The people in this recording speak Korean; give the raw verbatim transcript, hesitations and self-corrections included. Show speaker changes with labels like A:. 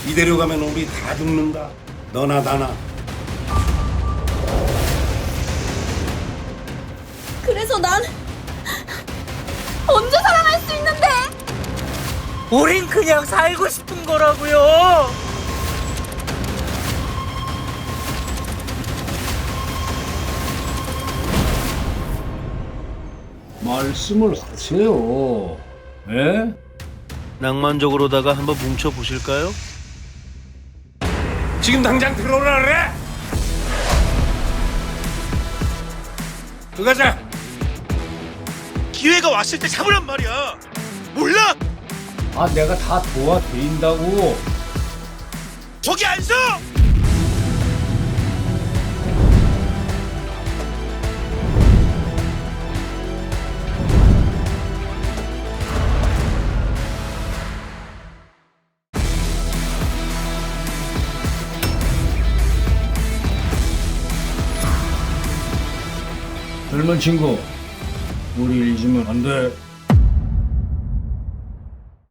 A: 이대로 가면 우리 다 죽는다. 너나 나나.
B: 그래서 난 언제 살아날 수 있는데?
C: 우린 그냥 살고 싶은 거라고요.
D: 말씀을 하세요. 예?
E: 낭만적으로다가 한번 뭉쳐 보실까요?
A: 지금 당장 들어오라 그래. 들어가자.
E: 기회가 왔을 때 잡으란 말이야. 몰라?
D: 아, 내가 다 도와드린다고.
E: 저기 안 서!
D: 젊은 친구, 우리 잊으면 안 돼.